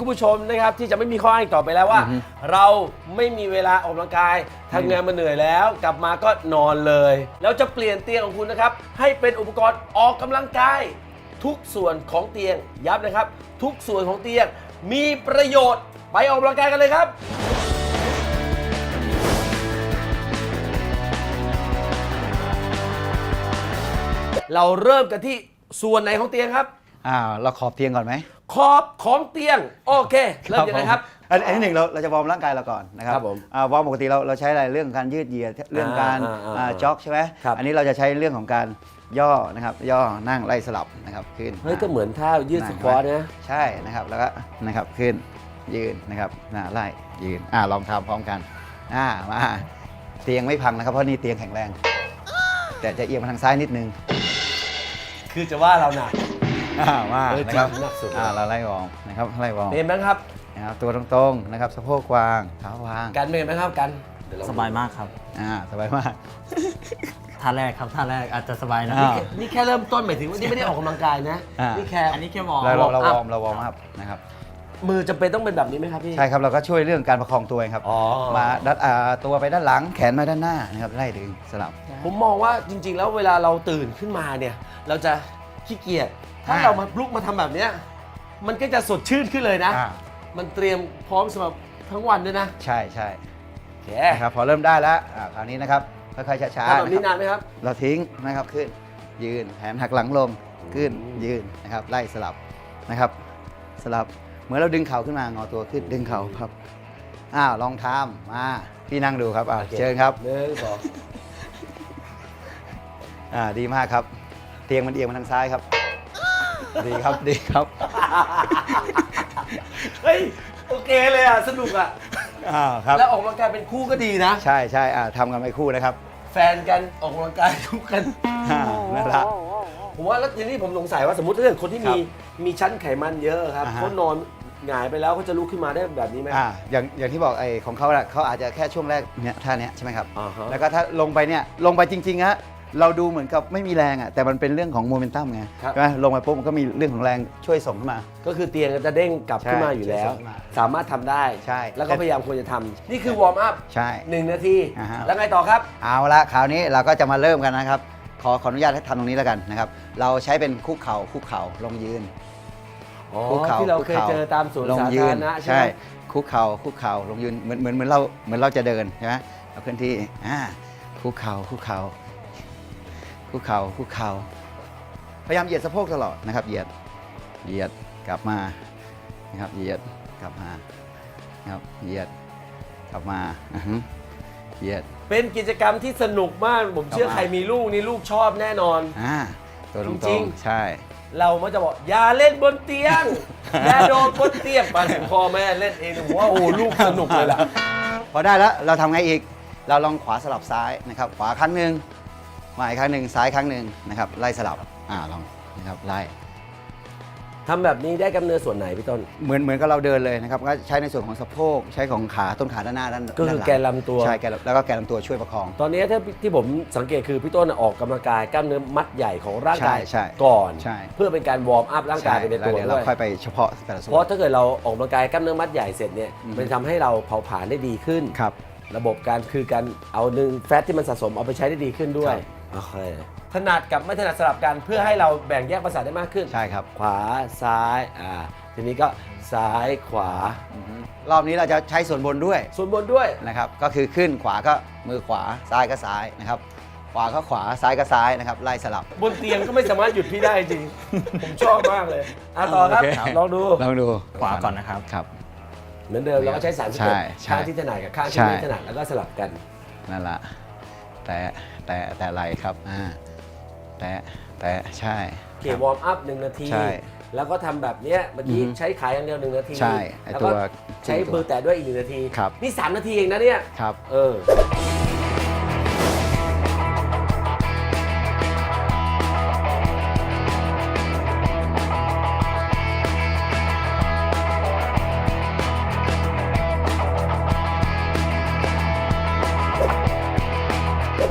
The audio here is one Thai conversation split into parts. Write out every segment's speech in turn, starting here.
คุณผู้ชมนะครับที่จะไม่มีข้ออ้างอีกต่อไปแล้วว่า เราไม่มีเวลาออกกำลังกายทำงานมาเหนื่อยแล้ว กลับมาก็นอนเลยแล้วจะเปลี่ยนเตียงของคุณนะครับให้เป็นอุปกรณ์ออกกำลังกายทุกส่วนของเตียงย้ำนะครับทุกส่วนของเตียงมีประโยชน์ไปออกกำลังกายกันเลยครับเราเริ่มกันที่ส่วนไหนของเตียงครับเราขอบเตียงก่อนไหมขอบของเตียงโอเคเริ่มยังไงครับอันที่หนึ่งเราจะวอร์มร่างกายเราก่อนนะครับผมวอร์มปกติเราใช้อะไรเรื่องการยืดเหยียดเรื่องการจ็อกใช่ไหมอันนี้เราจะใช้เรื่องของการย่อนะครับย่อนั่งไล่สลับนะครับขึ้นเฮ้ยก็เหมือนท่ายืดสควอตนะใช่นะครับแล้วก็นะครับขึ้นยืนนะครับไล่ยืนลองทำพร้อมกันมาเตียงไม่พังนะครับเพราะนี่เตียงแข็งแรงแต่จะเอียงมาทางซ้ายนิดนึงคือจะว่าเราหนักมานะครับหนักสุดเราไล่วอร์มนะครับไล่วอร์มเป็นไหมครับนะครับตัวตรงๆนะครับสะโพกวางเท้าวางกันเป็นไหมครับกันสบายมากครับสบายมากท่าแรกครับท่าแรกอาจจะสบายนะนี่แค่เริ่มต้นหมายถึงว่านี่ไม่ได้ออกกำลังกายนะนี่แค่อันนี้แค่วอร์มเราวอร์มอัพนะครับมือจำเป็นต้องเป็นแบบนี้ไหมครับพี่ใช่ครับเราก็ช่วยเรื่องการประคองตัวเองครับมาดัดตัวไปด้านหลังแขนมาด้านหน้านะครับไล่ดึงสลับผมมองว่าจริงๆแล้วเวลาเราตื่นขึ้นมาเนี่ยเราจะขี้เกียจถ้าเรามาลุกมาทำแบบนี้มันก็จะสดชื่นขึ้นเลยนะมันเตรียมพร้อมสำหรับทั้งวันด้วยนะใช่โอเคครับพอเริ่มได้แล้วคราวนี้นะครับค่อยๆช้าๆแบบนี้นานไหมครับเราทิ้งนะครับขึ้นยืนแขนหักหลังลงขึ้นยืนนะครับไล่สลับนะครับสลับเหมือนเราดึงเข่าขึ้นมางอตัวขึ้นดึงเข่าครับลองทำมาพี่นั่งดูครับเชิญครับดีมากครับเตียงมันเอียงมาทางซ้ายครับดีครับเฮ้ยโอเคเลยสนุกครับแล้วออกกำลังกายเป็นคู่ก็ดีนะใช่ทำกันไปคู่นะครับแฟนกันออกกำลังกายคู่กันนั่นแหละผมว่าแล้วทีนี้ผมสงสัยว่าสมมติถ้าเกิดคนที่มีชั้นไขมันเยอะครับเขานอนหงายไปแล้วเขาจะลุกขึ้นมาได้แบบนี้ไหมอย่างที่บอกของเขาเขาอาจจะแค่ช่วงแรกเนี่ยท่านี้ใช่ไหมครับแล้วก็ถ้าลงไปจริงๆฮะเราดูเหมือนกับไม่มีแรงแต่มันเป็นเรื่องของโมเมนตัมไงใช่ไหมลงไปปุ๊บมันก็มีเรื่องของแรงช่วยส่งขึ้นมาก็คือเตียงจะเด้งกลับขึ้นมาอยู่แล้วสามารถทำได้ใช่แล้วก็พยายามควรจะทำนี่คือวอร์มอัพใช่ 1 นาทีแล้วไงต่อครับเอาละคราวนี้เราก็จะมาเริ่มกันนะครับขออนุญาตให้ทำตรงนี้แล้วกันนะครับเราใช้เป็นคุกเข่าลงยืนที่เราเคยเจอตามสวนสาธารณะใช่คุกเข่าลงยืนเหมือนเราจะเดินใช่ไหมเราเคลื่อนที่คุกเข่าพยายามเหยียดสะโพกตลอดนะครับเหยียดกลับมานะครับเหยียดกลับมานะครับเหยียดกลับมาเหยียดเป็นกิจกรรมที่สนุกมากผมเชื่อใครมีลูกนี่ลูกชอบแน่นอนตัวตรงๆใช่เรามักจะบอกอย่าเล่นบนเตียงอย่าโดนบนเตียงมาถึงพ่อแม่เล่นเองผมว่าโอ้ลูกสนุกเลยล่ะพอได้แล้วเราทำไงอีกเราลองขวาสลับซ้ายนะครับขวาครั้งหนึ่งมาอีกครั้งหนึ่งซ้ายครั้งหนึ่งนะครับไล่สลับลองนะครับไล่ทำแบบนี้ได้กล้ามเนื้อส่วนไหนพี่ต้นเหมือนกับเราเดินเลยนะครับก็ใช้ในส่วนของสะโพกใช้ของขาต้นขาด้านหน้าด้านก็คือแกนลำตัวใช่แล้วก็แกนลำตัวช่วยประคองตอนนี้ที่ผมสังเกตคือพี่ต้นออกกำลังกายกล้ามเนื้อมัดใหญ่ของร่างกายก่อนเพื่อเป็นการวอร์มอัพร่างกายไปในตัวด้วยเราค่อยไปเฉพาะแต่ละส่วนเพราะถ้าเกิดเราออกกำลังกายกล้ามเนื้อมัดใหญ่เสร็จเนี่ยมันทำให้เราเผาผลาญได้ดีขึ้นระบบการคือการเอาแฟตที่มันสะสมเอาไปใช้ได้ดีขึ้นด้วยโอเคถนัดกับไม่ถนัดสลับกันเพื่อให้เราแบ่งแยกประสาทได้มากขึ้นใช่ครับขวาซ้ายทีนี้ก็ซ้ายขวารอบนี้เราจะใช้ส่วนบนด้วยนะครับก็คือขึ้นขวาก็มือขวาซ้ายก็ซ้ายนะครับขวาก็ขวาซ้ายก็ซ้ายนะครับไล่สลับบนเตียงก็ไม่สามารถหยุดพี่ได้จริงผมชอบมากเลยต่อครับลองดูขวาก่อนนะครับเหมือนเดิมเราก็ใช้3 สเต็ปข้างที่ถนัดกับข้างที่ไม่ถนัดแล้วก็สลับกันนั่นแหละแต่ไหลครับแต่ใช่วอร์มอัพ1 นาทีแล้วก็ทำแบบนี้เมื่อกี้ใช้ขาอย่างเดียว1 นาทีแล้วก็ใช้มือแตะด้วยอีก1 นาทีนี่3 นาทีเองนะเนี่ยครับ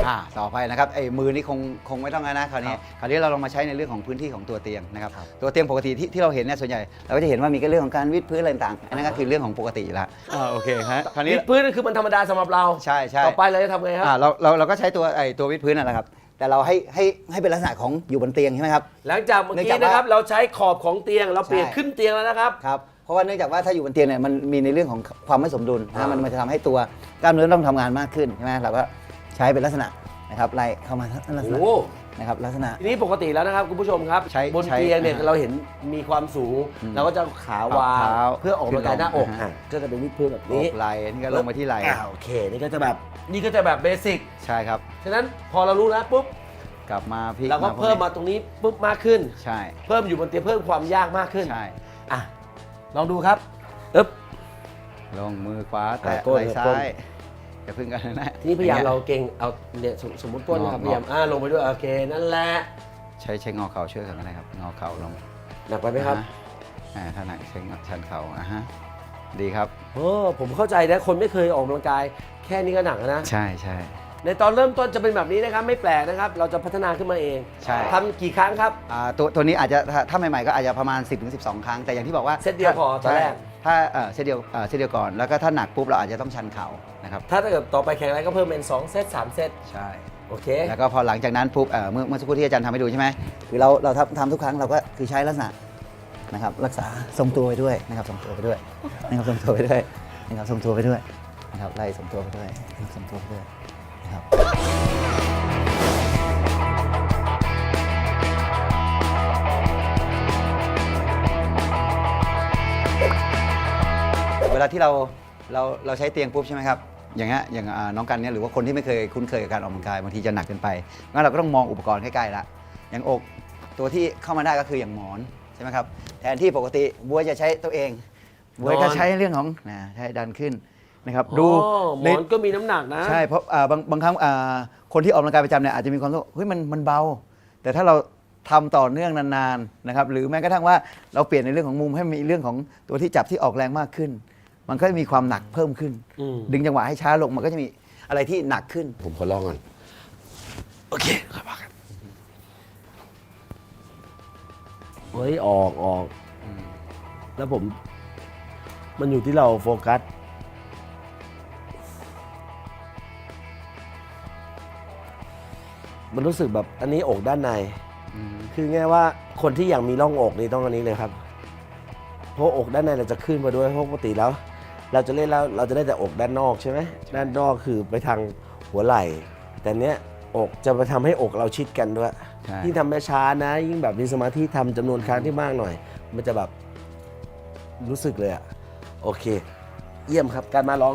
ต่อไปนะครับไอ้มือนี่คงไม่ต้องแล้วนะคราวนี้เราลองมาใช้ในเรื่องของพื้นที่ของตัวเตียงนะครับตัวเตียงปกติที่เราเห็นเนี่ยส่วนใหญ่เราก็จะเห็นว่ามีเรื่องของการวิดพื้นอะไรต่างๆอันนั้นก็คือเรื่องของปกติแล้วโอเคฮะคราวนี้วิดพื้นนั่นคือมันธรรมดาสำหรับเราใช่ต่อไปเราจะทำไงครับเราก็ใช้ตัววิดพื้นนั่นแหละครับแต่เราให้เป็นลักษณะของอยู่บนเตียงใช่ไหมครับหลังจากเมื่อกี้นะครับเราใช้ขอบของเตียงเราเปลี่ยนขึ้นเตียงแล้วนะครับครับเพราะว่าเนื่องจากว่าถ้าอยู่บนเตียงเนี่ยมันมีในเรื่องของความไม่สมดุลนะมันจะทำให้ตัวกล้ามเนื้อต้องทำงานมากขึ้นใช่ไหมเราก็ใช้เป็นลักษณะนะครับไล่เข้ามาลักษณะโอ้นะครับลักษณะทีนี้ปกติแล้วนะครับคุณผู้ชมครับใช้บนเตียงเนี่ยใช้เราเห็นมีความสูงเราก็จะขาวางเท้าเพื่อออกกำลังกายหน้าอกขึ้นลงก็จะเป็นวิดพื้นแบบนี่นี้ไหล่นี่ก็ลงมาที่ไหล่โอเคนี่ก็จะแบบเบสิกใช่ครับฉะนั้นพอเรารู้แล้วปุ๊บกลับมาพลิกเราก็เพิ่มมาตรงนี้ปุ๊บมากขึ้นใช่เพิ่มอยู่บนเตียงเพิ่มความยากมากขึ้นใช่อ่ะลองดูครับอึ๊บลงมือขวาแตะก้นไหล่ซ้าก้นยอย่าพึ่งกันนะทีนี้พยายามเราเก่งเอาเนี่ยสมมติก้นนะครับงอพยายามลงไปด้วยโอเคนั่นแหละใช้งอเข่าช่วยกันนะครับงอเข่าลงหนักไปไหมครับถ้าหนักใช้ชันเข่าฮะดีครับโอ้ผมเข้าใจนะคนไม่เคยออกกำลังกายแค่นี้ก็หนักแล้วนะใช่ในตอนเริ่มต้นจะเป็นแบบนี้นะครับไม่แปลกนะครับเราจะพัฒนาขึ้นมาเองใช่ทำกี่ครั้งครับตัวนี้อาจจะถ้าใหม่ๆก็อาจจะประมาณ 10-12 ครั้งแต่อย่างที่บอกว่าเซตเดียวพอตอนแรกถ้าเซตเดียวก่อนแล้วก็ถ้าหนักปุ๊บเราอาจจะต้องชันเข่านะครับถ้าเกิดต่อไปแข่งอะไรก็เพิ่มเป็น2เซต3เซตใช่โอเคแล้วก็พอหลังจากนั้นปุ๊บเมื่อสักครู่ที่อาจารย์ทำให้ดูใช่ไหมคือเราทำทุกครั้งเราก็คือใช้ลักษณะนะครับรักษาทรงตัวไปด้วยนะครับทรงตัวไปด้วยนะครับทรงตัวไปด้วยนะครับทรงตัวไปด้วยนะครับไล่ทรงตัวไปด้วยทรงตัวไปด้วยนะครับเวลาที่เราใช้เตียงปุ๊บใช่ไหมครับอย่างเงี้ยอย่างน้องกันเนี่ยหรือว่าคนที่ไม่เคยคุ้นเคยกับการออกกำลังกายบางทีจะหนักเกินไปงั้นเราก็ต้องมองอุปกรณ์ใกล้ๆละอย่างอกตัวที่เข้ามาได้ก็คืออย่างหมอนใช่ไหมครับแทนที่ปกติบัวจะใช้ตัวเองบัวก็ใช้เรื่องของใช้ดันขึ้นนะครับดูหมอนก็มีน้ำหนักนะใช่เพราะบางครั้งคนที่ออกกำลังกายประจำเนี่ยอาจจะมีความรู้สึกเฮ้ยมันเบา แต่ถ้าเราทำต่อเนื่องนานๆนะครับหรือแม้กระทั่งว่าเราเปลี่ยนในเรื่องของมุมให้มีเรื่องของตัวที่จับที่ออกแรงมากขึ้น มันก็จะมีความหนักเพิ่มขึ้น ดึงจังหวะให้ช้าลงมันก็จะมีอะไรที่หนักขึ้นผมขอลองก่อนโอเคครับว่ากันเฮ้ยออกแล้วผมมันอยู่ที่เราโฟกัสมันรู้สึกแบบอันนี้อกด้านในคือง่ายว่าคนที่อยากมีร่องอกนี่ต้องอันนี้เลยครับเพราะอกด้านในเราจะขึ้นมาด้วยเพราะปกติแล้ว เราจะเล่นแล้วเราจะได้แต่อกด้านนอกใช่ไหมด้านนอกคือไปทางหัวไหล่ แต่เนี้ยอกจะมาทำให้อกเราชิดกันด้วยใช่ยิ่งทำช้าๆนะยิ่งแบบมีสมาธิทำจำนวนครั้งที่มากหน่อย มันจะแบบรู้สึกเลยอะโอเค เยี่ยมครับการมาลอง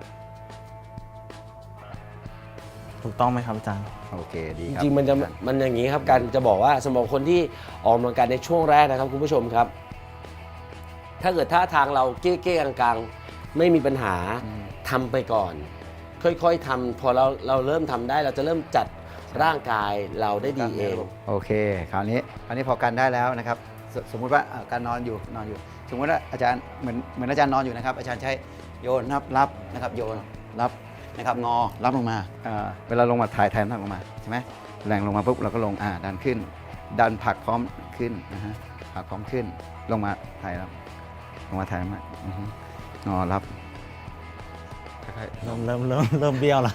ถูกต้องไหมครับอาจารย์โอเคดีจครับริงๆมันอย่างนี้ครับการจะบอกว่าสำหรับคนที่ออกกำลังกายในช่วงแรกนะครับคุณผู้ชมครับ ถ้าเกิดท่าทางเราเก้ๆกลางๆไม่มีปัญหาทำไปก่อน ค่อยๆทำพอเราเริ่มทำได้เราจะเริ่มจัดร่างกายเราได้ดีเองโอเคคราวนี้พอกันได้แล้วนะครับสมมุติว่าการนอนอยู่สมมติว่าอาจารย์เหมือนอาจารย์นอนอยู่นะครับอาจารย์ใช้โยนรับนะครับโยนรับนะครับงอรับลงมาเวลาลงมาถ่ายน้ำลงมาใช่ไหมแรงลงมาปุ๊บเราก็ลงดันขึ้น ดันผลักพร้อมขึ้นนะฮะผลักพร้อมขึ้นลงมาถ่ายรับลงมาถ่ายมางอรับค่อยเริ่มเบี้ยวแล้ว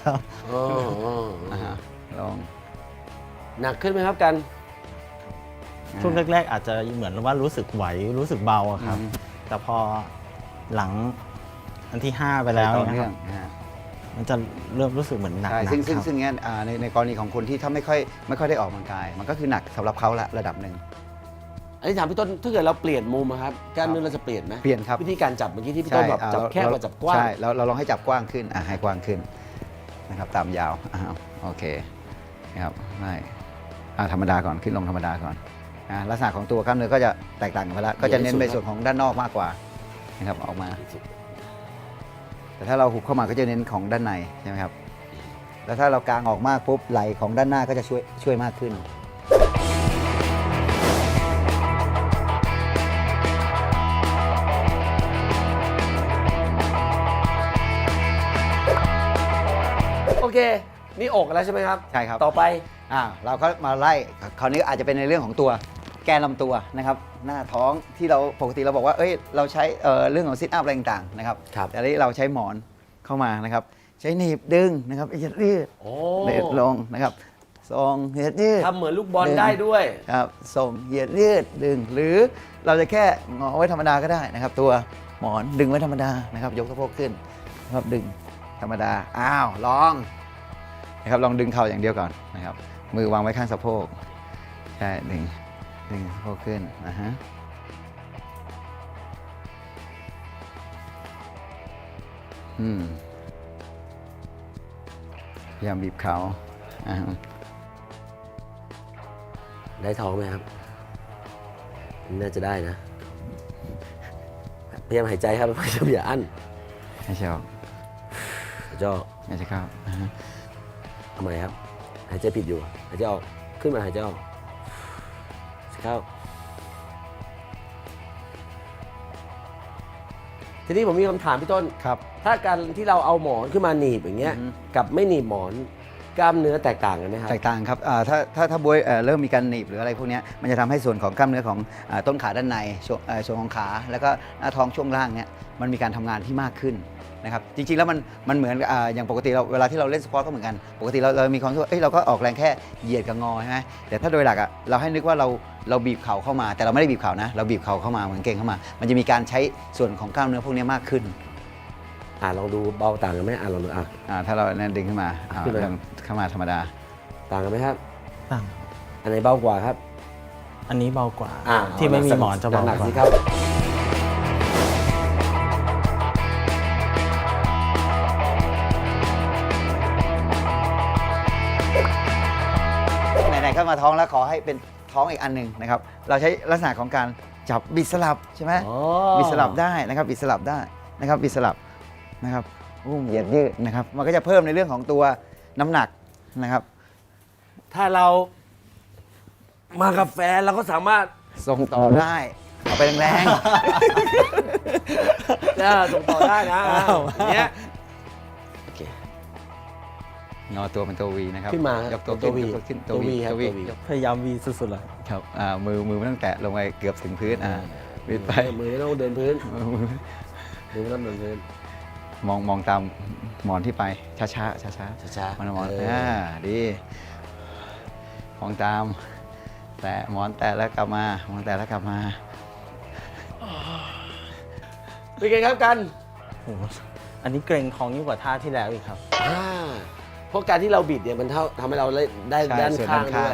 ลองหนักขึ้นไหมครับกันช่วงแรกๆอาจจะเหมือนว่ารู้สึกไหวรู้สึกเบาอะครับ แต่พอหลังอันที่ 5 ไปแล้วต่อนะเนื่คอรังบนะฮะมันจะเริ่มรู้สึกเหมือนหนักใช่ๆซึ่งครับงั้นในกรณีของคนที่ถ้าไม่ค่อยได้ออกกำลังกาย มันก็คือหนักสำหรับเขาละระดับหนึ่งอันนี้ถามพี่ต้นถ้าเกิดเราเปลี่ยนมุมอะครับกล้ามเนื้อเราจะเปลี่ยนไหมเปลี่ยนครับวิธีการจับเมื่อกี้ที่พี่ต้นแบบจับแคบกับจับกว้างใช่เราลองให้จับกว้างขึ้นให้กว้างขึ้นนะครับตามยาวโอเคนะครับไม่ธรรมดาก่อนขึ้นลงธรรมดาก่อนลักษณะของตัวกล้ามเนื้อก็จะแตกต่างกันไปแล้วก็จะเน้นในส่วนของด้านนอกมากกว่านะครับออกมา แต่ถ้าเราหุบเข้ามาก็จะเน้นของด้านในใช่ไหมครับแล้วถ้าเรากางออกมากปุ๊บไหล่ของด้านหน้าก็จะช่วยมากขึ้นโอเคนี่อกแล้วใช่ไหมครับใช่ครับต่อไปเราก็มาไล่คราวนี้อาจจะเป็นในเรื่องของตัวแกนลำตัวนะครับหน้าท้องที่เราปกติเราบอกว่าเราใช้เรื่องของซิทอัพอะไรต่างๆนะครับครับแต่อันนี้เราใช้หมอนเข้ามานะครับใช้หนีบดึงนะครับยืดโอ้เด็ดลงนะครับทรงยืดทำเหมือนลูกบอลได้ด้วยครับส่งยืดดึงหรือเราจะแค่งอไว้ธรรมดาก็ได้นะครับ ตัวหมอนดึงไว้ธรรมดานะครับยกสะโพกขึ้นนะครับดึงธรรมดาลองนะครับลองดึงเข่าอย่างเดียวก่อนนะครับมือวางไว้ข้างสะโพกใช่ดึงสะโพกขึ้นนะฮะพยายามบีบเขาได้ท้องไหมครับน่าจะได้นะพยายามหายใจครับพยายามอย่าอั้นให้ชอบจ่อให้ชอบทำไมครับหายใจผิดอยู่หายใจออกขึ้นมาหายใจออกเข้าทีนี้ผมมีคำถามพี่ต้นครับถ้าการที่เราเอาหมอนขึ้นมาหนีบอย่างเงี้ยอือฮึกับไม่หนีบหมอนกล้ามเนื้อแตกต่างกันไหมครับแตกต่างครับถ้าบวยเริ่มมีการหนีบหรืออะไรพวกเนี้ยมันจะทำให้ส่วนของกล้ามเนื้อของต้นขาด้านในส่วนของขาแล้วก็หน้าท้องช่วงล่างเนี้ยมันมีการทำงานที่มากขึ้นนะครับจริงๆแล้วมันเหมือนอย่างปกติเราเวลาที่เราเล่นสปอร์ตก็เหมือนกันปกติเรามีความรู้สึกว่าเราก็ออกแรงแค่เหยียดกับงอใช่ไหมแต่ถ้าโดยหลักเราให้นึกว่าเราบีบเข่าเข้ามาแต่เราไม่ได้บีบเข่านะเราบีบเข่าเข้ามาเหมือนเก่งเข้ามา มันจะมีการใช้ส่วนของกล้ามเนื้อพวกนี้มากขึ้นลองดูเบาต่างกันไหมลองดูถ้าเราเนี่ยดึงขึ้นมาขึ้นมาเริ่มเข้ามาธรรมดาต่างกันไหมครับต่างอันไหนเบากว่าครับอันนี้เบากว่าอ่าที่ไม่มีหมอนจะเบาหนักกว่าสิครับไหนๆก็มาท้องแล้วขอให้เป็นท้องอีกอันหนึ่งนะครับเราใช้ลักษณะของการจับบิดสลับใช่ไหมอ๋อบิดสลับได้นะครับบิดสลับได้นะครับบิดสลับนะครับเหยียดยืดนะครับมันก็จะเพิ่มในเรื่องของตัวน้ำหนักนะครับถ้าเรามากับแฟนเราก็สามารถส่งต่อได้เอาไปแรงส่งต่อได้นะอย่างเงี้ยโอเคๆงอตัวเป็นตัววีนะครับขึ้นมายกตัวตัว V ขึ้นตัว V ครับตัว V พยายามวีสุดๆเลยครับมือไม่ต้องแตะลงไปเกือบถึงพื้นบิดไปมือไม่ต้องเดินพื้นมือมือไม่ต้องเดินพื้นมองตามหมอนที่ไปช้าๆช้าๆช้าๆมันหมอนเออดีมองตามแต่หมอนแตะแล้วกลับมามองแตะแล้วกลับมาเป็นไงครับกันโอ้โหอันนี้เกรงท้องยิ่งกว่าท่าที่แล้วอีกครับเพราะการที่เราบิดเนี่ยมันทำให้เราได้ใช่ด้านส่วนข้างด้านข้างด้วย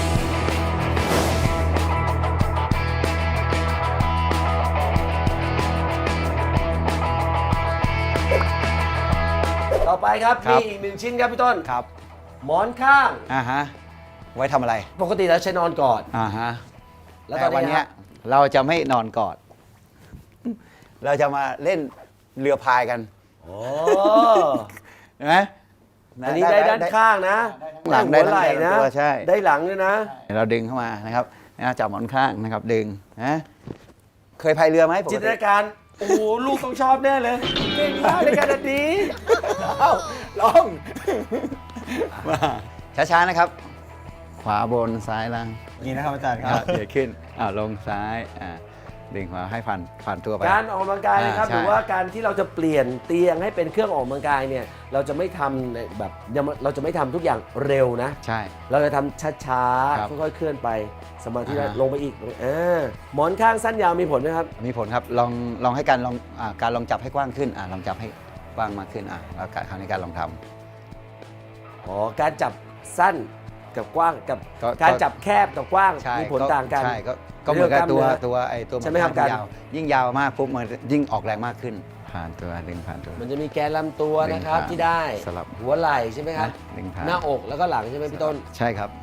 ต่อไปครับครับมีอีกหนึ่งชิ้นครับพี่ต้นครับหมอนข้างไว้ทำอะไรปกติแล้วใช้นอนกอด แล้วตแต่อนวันนี้เนี้ยเราจะไม่นอนกอด เราจะมาเล่นเรือพายกันโอ้เห็นไหมอันนี้ได้ด้านข้างนะหลังได้หัวไหล่ได้นะทั้งตัวใช่ได้หลังด้วยนะเราดึงเข้ามานะครับจับหมอนข้างนะครับดึงนะเคยพายเรือไหมปกจินตตินาการ โอ้โห ลูกต้องชอบแน่เลยเก่งมากในการดีลองมาช้าๆนะครับ ขวาบนซ้ายล่างนี่นะครับอาจารย์คอ่ะรับเดี๋ยวขึ้นลงซ้ายดึงขวาให้ผ่านตัวไปการออกกำลังกายนะครับใช่หรือว่าการที่เราจะเปลี่ยนเตียงให้เป็นเครื่องออกกำลังกายเนี่ย เราจะไม่ทำในแบบเราจะไม่ทำทุกอย่างเร็วนะใช่เราจะทำช้าครับๆ ค่อยๆ เคลื่อนไป สมาธิอ่าลงไปอีกหมอนข้างสั้นยาวมีผลไหมครับมีผลครับลองให้การลองจับให้กว้างขึ้นลองจับให้กว้างมากขึ้นแล้วคราวนี้การลองทำอ๋อ การจับสั้นกับกว้างกับก็การจับแคบกับกว้างใช่มีผลต่างกันใช่ก็เหมือนกับตัวเรื่องกล้ามเนื้อตัวใช่ไหมครับนการยาวยิ่งยาวมากปุ๊บมันยิ่งออกแรงมากขึ้น ผ่านตัวดึงผ่านตัวมันจะมีแกนลำตัวนะครับดึงผ่านที่ได้สลับหัวไหล่ใช่ไหมครับดึงผ่านหน้าอกแล้วก็หลังใช่ไหมพี่ต้นใช่ครับ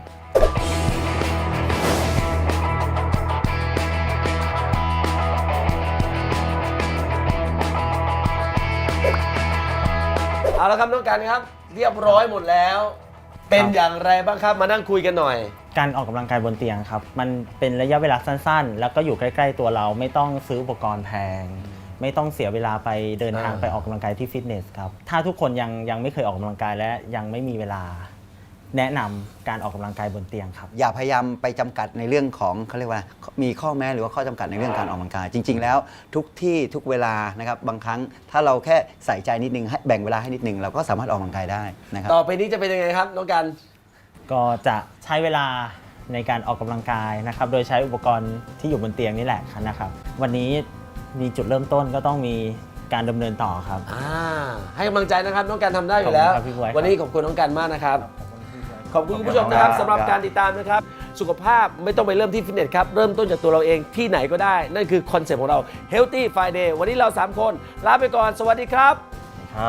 เอาละครับน้องกันครับ เรียบร้อยหมดแล้ว เป็นอย่างไรบ้างครับมานั่งคุยกันหน่อยการออกกำลังกายบนเตียงครับ มันเป็นระยะเวลาสั้นๆ แล้วก็อยู่ใกล้ๆตัวเราไม่ต้องซื้ออุปกรณ์แพงไม่ต้องเสียเวลาไปเดินทางอ่าไปออกกำลังกายที่ฟิตเนสครับถ้าทุกคนยังไม่เคยออกกำลังกายและยังไม่มีเวลาแนะนำการออกกำลังกายบนเตียงครับอย่าพยายามไปจำกัดในเรื่องของเขาเรียกว่ามีข้อแม้หรือว่าข้อจำกัดในเรื่องการออกกำลังกาย จริง ๆ แล้วทุกที่ทุกเวลานะครับบางครั้งถ้าเราแค่ใส่ใจนิดนึงให้แบ่งเวลาให้นิดนึงเราก็สามารถออกกำลังกายได้นะครับต่อไปนี้จะเป็นยังไงครับน้องกันก็จะใช้เวลาในการออกกำลังกายนะครับ โดยใช้อุปกรณ์ที่อยู่บนเตียงนี่แหละนะครับ วันนี้มีจุดเริ่มต้นก็ต้องมีการดำเนินต่อครับให้กำลังใจนะครับน้องกันทำได้อยู่แล้วขอบคุณครับพี่บ๊วยครับวันนี้ขอบคุณน้องกันมากนะครับ ขอบคุณคุณผู้ชมนะครับขอบคุณครับสำหรับการติดตามนะครับ สุขภาพไม่ต้องไปเริ่มที่ฟิตเนสครับ เริ่มต้นจากตัวเราเองที่ไหนก็ได้ นั่นคือคอนเซ็ปต์ของเรา Healthy Friday วันนี้เรา 3 คนลาไปก่อน สวัสดีครับครับ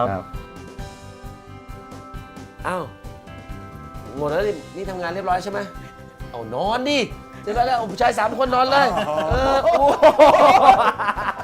อ้าว หมดแล้วนี่ทำงานเรียบร้อยใช่ไหมเอานอนดิเสร็จแล้วผู้ชาย 3 คนนอนเลย โอ้โห